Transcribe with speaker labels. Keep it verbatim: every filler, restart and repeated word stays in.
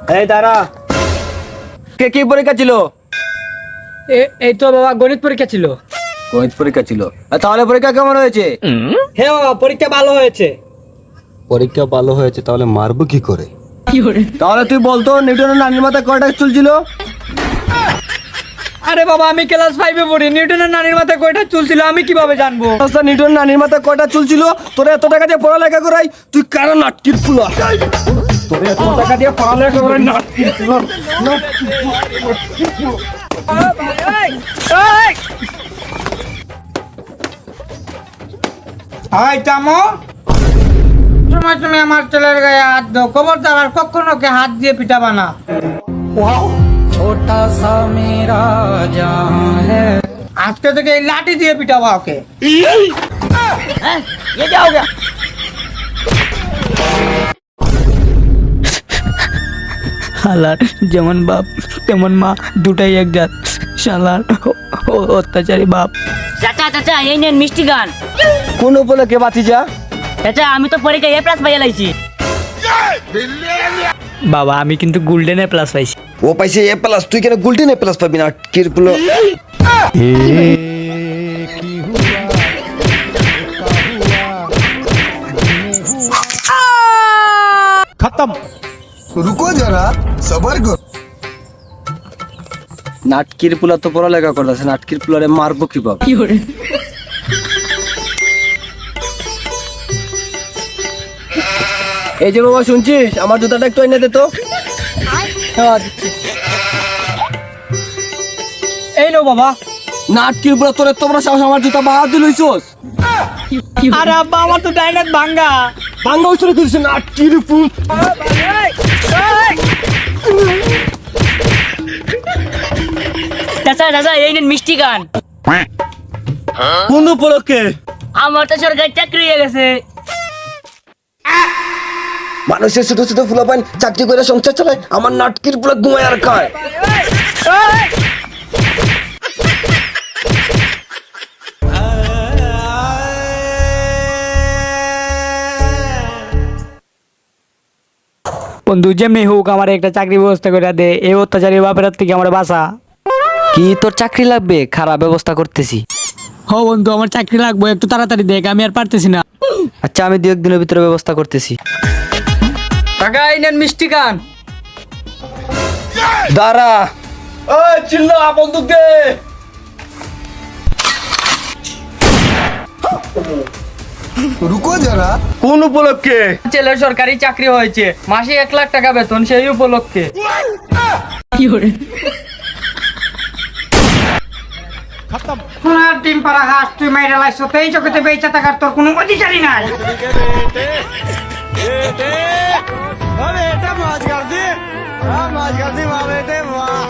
Speaker 1: এই দাঁড়া, কে কি পরীক্ষা ছিল?
Speaker 2: এই তো বাবা গণিত পরীক্ষা ছিল।
Speaker 1: গণিত পরীক্ষা ছিল। আর তাহলে পরীক্ষা কেমন হয়েছে?
Speaker 2: হ্যাঁ বাবা পরীক্ষা ভালো হয়েছে।
Speaker 3: পরীক্ষা ভালো হয়েছে, তাহলে মারবো কি করে?
Speaker 1: তাহলে তুই বলতো নিউটনের নানির মাথায় কয়টা চুল ছিল?
Speaker 2: আরে বাবা আমি ক্লাস ফাইভে পড়ি, নিউটনের নানির মাথায় কয়টা চুল ছিল আমি কিভাবে জানবো?
Speaker 1: আচ্ছা, নিউটনের নানির মাথায় কয়টা চুল ছিল? তোরা এত টাকা দিয়ে পড়ালেখা করাই, তুই কারো নাটকির ফুলা। তোরা এত টাকা দিয়ে পড়ালেখা করাই নাটকির ফুলা।
Speaker 2: হাই তামো, সময় তুমি আমার ছেলের গায়ে হাত দাও, খবরদার আর কখনো কে হাত দিয়ে পিটাবা না। ছোটা সা মেরা জান হ্যায়, আজকে থেকে এই লাঠি দিয়ে পিটাবা ওকে। ये क्या हो गया?
Speaker 4: শালার যেমন বাপ তেমন মা, দুটাই এক জাত। শালার অত্যাচারী বাপ।
Speaker 5: চাচা চাচা এই নেন মিষ্টি গান।
Speaker 1: কোন উপলক্ষে বাতিজা?
Speaker 5: চাচা আমি তো পরীক্ষায় এ প্লাস পাইয়া লাইছি।
Speaker 4: বাবা আমি কিন্তু গোল্ডেন এ প্লাস পাইছি।
Speaker 1: ও পাইছে এ প্লাস, তুই কেন গোল্ডেন এ প্লাস পাবি না? নাটকির ফুলা।
Speaker 3: খতম।
Speaker 6: रुको जरा सबर करो।
Speaker 1: নাটকির পুলা তো পড়ালেখা করতেছে, নাটকির পুলারে মারবো কিভাবে? এই যে বাবা শুনছিস, আমার জুতাটা একটু এনে দে তো।
Speaker 2: হ্যাঁ, দিচ্ছি। এই লো বাবা।
Speaker 1: নাটকির পুলা, তোর এত বড় সাহস আমার জুতা বাদ দিল হইছস?
Speaker 2: আরে আব্বা আমার তো ডাইনাত ভাঙ্গা।
Speaker 1: ভাঙ্গা উছলে দিছিস নাটকির ফুল।
Speaker 5: চাচা চাচা এই নেন মিষ্টি গান।
Speaker 1: কোন উপলক্ষে?
Speaker 5: আমার তো সরকারি চাকরি হয়ে গেছে।
Speaker 1: মানুষের ছোট ছোট ফুলাপান চাকরি করে সংসার চালায়, আমার নাটকির পুলা ঘুমায় আর খায়।
Speaker 4: বন্ধু যেমনি হোক আমার একটা চাকরি ব্যবস্থা করে দে, এই অত্যাচারী বাপের হাত থেকে আমার বাঁচা।
Speaker 7: কি তোর চাকরি লাগবে? খারাপ ব্যবস্থা করতেছি।
Speaker 4: হ বন্ধু আমার চাকরি লাগবে, একটু তাড়াতাড়ি দেখ, আমি আর পারতেছি না।
Speaker 7: আচ্ছা আমি দু একদিনের ভিতরে ব্যবস্থা করতেছি।
Speaker 2: কাকা এই নেন মিষ্টি গান।
Speaker 1: দাঁড়া, ওই চিল্লা বন্দুক দে।
Speaker 6: रुको जरा।
Speaker 1: কোন উপলক্ষে?
Speaker 2: ছেলের সরকারি চাকরি হয়েছে, মাসে এক লাখ টাকা বেতন, সেই উপলক্ষে।
Speaker 3: খতম।
Speaker 2: ডিম পাড়া হাঁস তুই মাইরা লাইছ, এই জগতে বেঁচে থাকার তোর কোনো অধিকারই নাই।
Speaker 3: বেটা মাছ গার্দি, মাছ গার্দি মা বেটে মা।